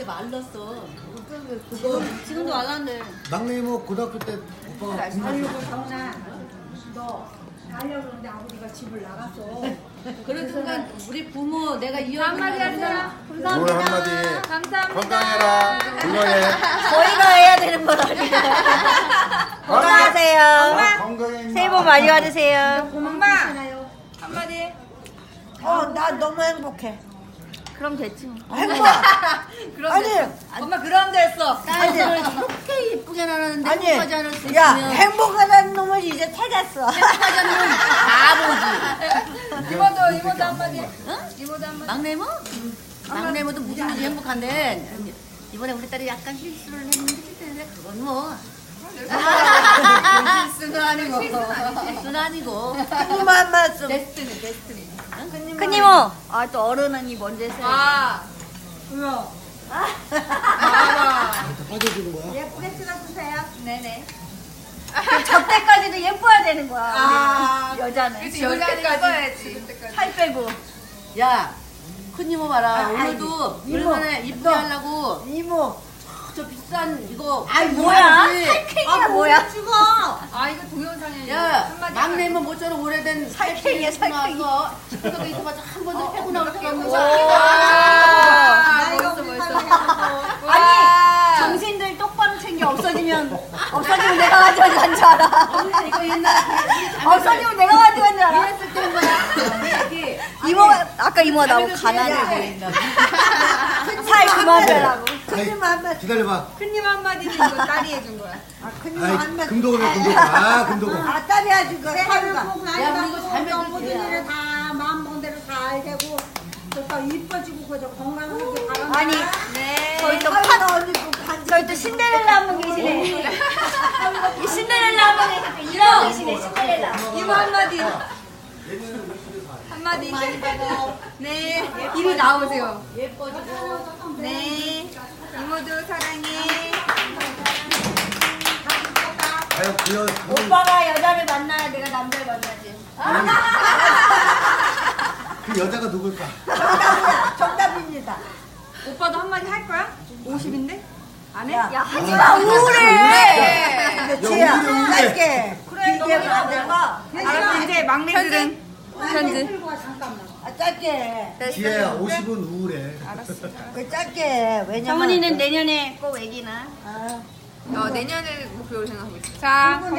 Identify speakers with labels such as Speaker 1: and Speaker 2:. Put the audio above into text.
Speaker 1: 말랐어. 지금도 말랐네.
Speaker 2: 막내 이모 고등학교 때 오빠가
Speaker 3: 아이고 정훈아 너 가려고 그러는데 아버지가 집을 나갔어.
Speaker 1: 그런 순간 우리 부모 내가 이어서
Speaker 3: 한마디 하세요.
Speaker 4: 오늘 한마디
Speaker 3: 감사합니다.
Speaker 4: 건강해라 건강해
Speaker 5: 저희가 해야 되는 건 아니야. 건강하세요.
Speaker 4: 건강해
Speaker 5: 새해 복 많이 받으세요.
Speaker 3: 엄마 한마디.
Speaker 5: 나 너무 행복해. 그럼 됐지 뭐. 행복.
Speaker 3: 아니 엄마 그런 데였어.
Speaker 1: 딸들을 저렇게 예쁘게 나는데
Speaker 5: 아니,
Speaker 1: 행복하지 않을 수
Speaker 5: 야,
Speaker 1: 있으면
Speaker 5: 행복하다는 놈을 이제 찾았어.
Speaker 1: 행복하지 않으면 바보지.
Speaker 3: 이모도 한마디.
Speaker 1: 응?
Speaker 3: 이모도 한마디.
Speaker 1: 막내 이모? 막내 이모도 무지무지 행복한데 이번에 우리 딸이 약간 실수를 했는데 그건 뭐
Speaker 3: 실수는 아니고.
Speaker 1: 실수는 아니고
Speaker 5: 큰님 한 말씀.
Speaker 3: 데스티니.
Speaker 5: 큰 이모. 아, 또 어른언니 먼저 했어요.
Speaker 3: 아. 왜요? 아.
Speaker 2: 빠져주는 거야?
Speaker 5: 예쁘게 찍어주세요.
Speaker 3: 네네.
Speaker 5: 저 때까지도 예뻐야 되는 거야.
Speaker 3: 아.
Speaker 5: 우리 여자는.
Speaker 3: 그치 여기까지.
Speaker 5: 살 빼고.
Speaker 1: 야 큰 이모 봐라 오늘도
Speaker 5: 이모,
Speaker 1: 얼마나 이쁘게 하려고
Speaker 5: 이모.
Speaker 1: 저 비싼 이거
Speaker 5: 뭐야?
Speaker 1: 해야지.
Speaker 5: 살쾡이야 뭐야?
Speaker 3: 아 이거 동영상에
Speaker 1: 야
Speaker 3: 한마디.
Speaker 1: 막내 이모 모처럼 오래된
Speaker 5: 살쾡이야, 살쾡이.
Speaker 1: 나와서 집에 있어봐서 한 번도 패고 나올 때가 없는
Speaker 3: 아,
Speaker 5: 이거
Speaker 3: 벌써.
Speaker 5: 아니, 정신들 똑바로 챙겨. 없어지면 내가 가져간 줄 알아.
Speaker 1: 이거 옛날에
Speaker 5: 없어지면 내가 가져간 줄 알아.
Speaker 1: 이랬을 때 뭐야 이게
Speaker 5: 이모가, 아까 이모가 나보고 가난해 보인다. 살 그만 빼라고. 큰님 한 말.
Speaker 2: 기다려봐.
Speaker 3: 큰님 한마디는 이거 딸이 해준 거야.
Speaker 5: 큰님
Speaker 2: 아이
Speaker 5: 한 말.
Speaker 2: 금도금이야 금도금. 아 금도금.
Speaker 5: 아, 딸이 해준 거 사유가.
Speaker 1: 야 우리 이거 잘
Speaker 3: 모든
Speaker 1: 먹을게
Speaker 3: 일을 다 마음 먹은 대로 다 알고 또 이뻐지고 그저 건강하게 바란다.
Speaker 5: 아니,
Speaker 3: 네.
Speaker 5: 저희 또 저희 또 신데렐라 한 분 계시네. 이 신데렐라 한 분 계시네. 이런 계시네, 신데렐라.
Speaker 3: 이모 한마디. 한마디. 네. 이리 나오세요.
Speaker 1: 예뻐지고
Speaker 3: 네. 이모도 사랑해.
Speaker 2: 과연 그
Speaker 5: 오빠가 여자를 만나야 내가 남자를 만나지.
Speaker 2: 그 여자가 누굴까?
Speaker 5: 정답입니다.
Speaker 3: 오빠도 한마디 할 거야? 50인데? 안 해?
Speaker 5: 야, 하지마, 우울해. 근데 지혜야,
Speaker 2: 우울해.
Speaker 5: 짧게. 길게 안 될까?
Speaker 3: 알았어, 이제 막내들은 현지.
Speaker 5: 아, 짧게.
Speaker 2: 지혜야 50은 우울해.
Speaker 5: 그 짧게. 왜냐면.
Speaker 1: 정은이는 내년에 꼭 애기나
Speaker 5: 아.
Speaker 3: 내년을 목표로 생각하고 있어. 자.